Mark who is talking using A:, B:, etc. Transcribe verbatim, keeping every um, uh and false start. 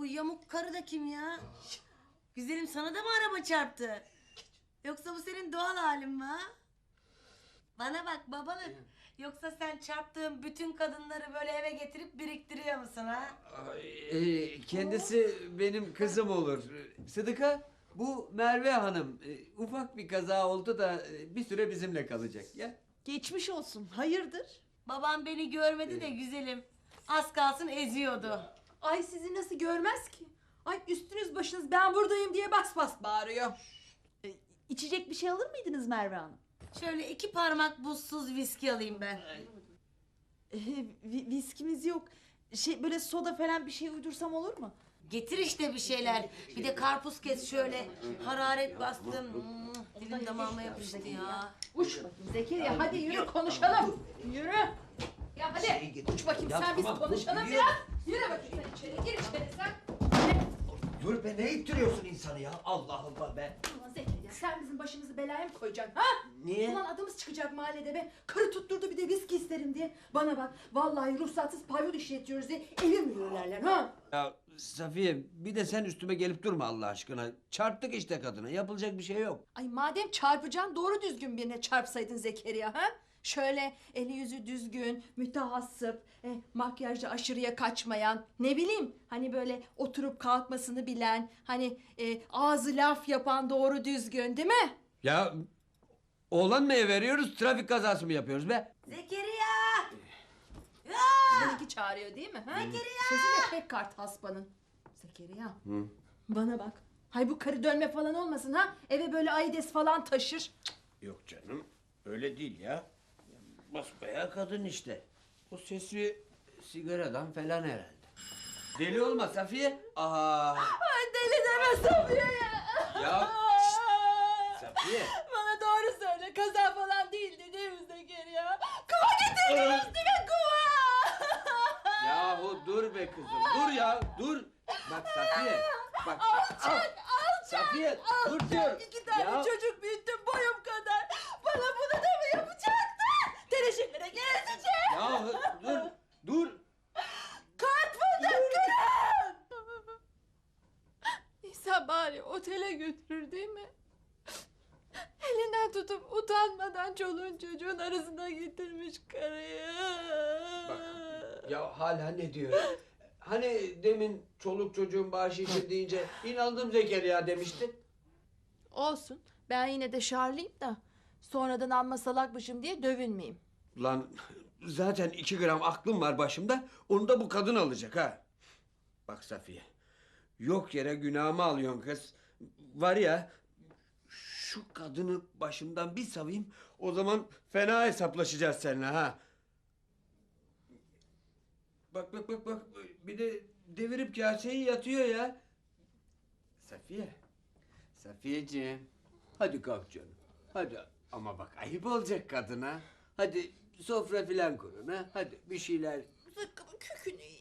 A: Bu yamuk karı da kim ya? Güzelim, sana da mı araba çarptı? Yoksa bu senin doğal halin mi ha? Bana bak babalık. Yoksa sen çarptığın bütün kadınları böyle eve getirip biriktiriyor musun ha?
B: Ee, kendisi benim kızım olur. Sıdıka, bu Merve Hanım. Ee, ufak bir kaza oldu da e, bir süre bizimle kalacak ya.
C: Geçmiş olsun. Hayırdır?
A: Babam beni görmedi de güzelim. Az kalsın eziyordu.
C: Ay sizi nasıl görmez ki? Ay üstünüz başınız ben buradayım diye bas bas bağırıyor. E, içecek bir şey alır mıydınız Merve Hanım?
A: Şöyle iki parmak buzsuz viski alayım ben.
C: E, vi- viskimiz yok. Şey böyle soda falan bir şey uydursam olur mu?
A: Getir işte bir şeyler. Bir de karpuz kes şöyle. Hararet bastım. Hmm, dilim damağıma yapıştı ya.
C: Uç bakayım Zekeriya hadi yürü konuşalım. Yürü. Ya hadi uç bakayım
B: Ya
C: sen biz
B: tamam,
C: konuşalım
B: yürüyorum.
C: biraz. Yürü bakayım sen içeri gir içeri sen.
B: Dur be, ne ittiriyorsun insanı ya? Allah Allah be.
C: Ulan Zekeriya sen bizim başımızı belaya mı koyacaksın ha?
B: Niye?
C: Ulan adımız çıkacak mahallede be. Karı tutturdu bir de viski isterim diye. Bana bak vallahi ruhsatsız pavyon işletiyoruz diye evi mühürlerler ha?
B: Ya Safiye, bir de sen üstüme gelip durma Allah aşkına. Çarptık işte kadına, yapılacak bir şey yok.
C: Ay madem çarpacaksın doğru düzgün birine çarpsaydın Zekeriya ha? Şöyle eli yüzü düzgün, mütehassıp, e, makyajda aşırıya kaçmayan, ne bileyim hani böyle oturup kalkmasını bilen, hani e, ağzı laf yapan doğru düzgün değil mi?
B: Ya oğlan mı veriyoruz, trafik kazası mı yapıyoruz be?
A: Zekeriya!
C: Seninki çağırıyor değil mi? Ha? Zekeriya! Sözü de pek kart hasbanın. Zekeriya.
B: Hı.
C: Bana bak. Hay bu karı dönme falan olmasın ha? Eve böyle aides falan taşır.
B: Yok canım, öyle değil ya. Basbayağı kadın işte. O sesi sigaradan falan herhalde. Deli olma Safiye. Aa.
C: Ay deli deme Safiye'ye.
B: Ya Safiye.
C: Bana doğru söyle. Kaza falan değildi değil mi Zekeriya? Kuva getirdin üstüme kuva.
B: Yahu dur be kızım, dur ya, dur. Bak Safiye, bak.
C: Alçak,
B: al.
C: alçak,
B: Safiye, dur diyorum.
C: İki tane
B: Ya.
C: çocuk büyüttüm boyum kadar. Bana bunu da mı yapacaktın? Tereşimlere gezeceğim.
B: Ya dur, dur.
C: Kart fındık İnsan bari otele götürür değil mi? Elinden tutup utanmadan çoluğun çocuğun arasına getirmiş karıyı.
B: Bak, ya hala ne diyor? Hani demin çoluk çocuğun bahşişi deyince inandım Zekeriya demiştin.
C: Olsun. Ben yine de şarlıyım da sonradan amma salakmışım diye dövünmeyeyim.
B: Lan zaten iki gram aklım var başımda. Onu da bu kadın alacak ha. Bak Safiye. Yok yere günahımı alıyorsun kız. Var ya, şu kadını başımdan bir savayım. O zaman fena hesaplaşacağız seninle ha. Bak bak bak bak. Bir de devirip kaseyi yatıyor ya. Safiye. Safiyeciğim. Hadi kalk canım. Hadi. Ama bak ayıp olacak kadına. Hadi sofra filan kurun ha. Hadi bir şeyler.
C: Zıkkımın kökünü yiyeyim.